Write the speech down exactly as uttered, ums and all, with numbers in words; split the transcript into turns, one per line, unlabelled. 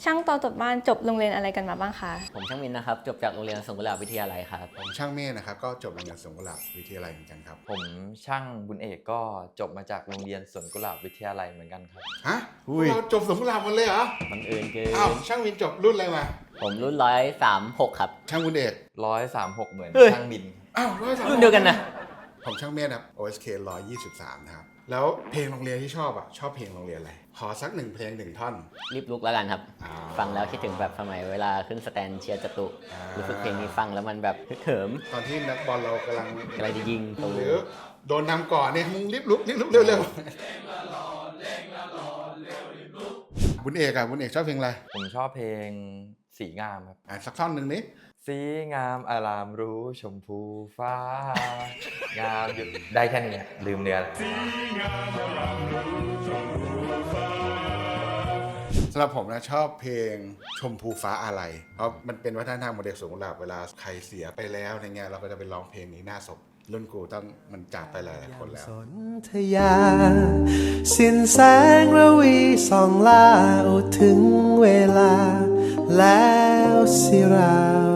ช่างต่อจบบ้านจบโรงเรียนอะไรกันมาบ้างคะ
ผมช่างมินนะครับจบจากโรงเรียนสงขลาวิทยาลัยครับ
ผมช่างเมฆนะครับก็จบโรงเรียนสงขลาวิทยาลัยเหมือนกันครับ
ผมช่างบุญเอกก็จบมาจากโรงเรียนสวนกุหลาบวิทยาลัยเหมือนกันครับ
ฮะเราจบสงขลาหมดเลยเหรอ
บังเอิญเกิน
อ้าวช่างมินจบรุ่นอะไรมา
ผมรุ่นร้อยสามหกครับ
ช่างบุญเอก
ร้อยสามหกเหมือนช่างมิน
อ้าวร้อยสาม
รุ่นเดียวกันนะ
ผมช่างเมฆครับ โอ เอส เค หนึ่งร้อยยี่สิบสามนะครับแล้วเพลงโรงเรียนที่ชอบอ่ะชอบเพลงโรงเรียนอะไรขอสักหนึ่งเพลงหนึ่งท่อน
รีบลุกแล้วกันครับฟังแล้วคิดถึงแบบสมัยเวลาขึ้นสแตนเชียร์จตุรู้สึกเพลงนี้ฟังแล้วมันแบบฮึกเหิม
ตอนที่นักบอลเรากำลัง
กำลังจะยิง
หรือโดนนำก่อนเนี่ยมึงรีบลุกรีบลุกเร็วๆบุญเอกอ่ะบุญเอกชอบเพลงอะไร
ผมชอบเพลงสีงามครับ
อ่ะสักท่อนหนึ่งนิด
สีงามอารามรู้ชมพูฟ้างามหยุดได้แค่นี้ลืมเนื้อ
สำหรับผมนะชอบเพลงชมพูฟ้าอะไรเพราะมันเป็นวัฒนธรรมของเด็กสงขลาเวลาใครเสียไปแล้วในเงี้ยเราก็จะไปร้องเพลงนี้หน้าศพรุ่นกูต้องมันจากไปหลายคนแล้ว
สนธยาสิ้นแสงระวีส่องลาอุถึงเวลาแล้วสิเรา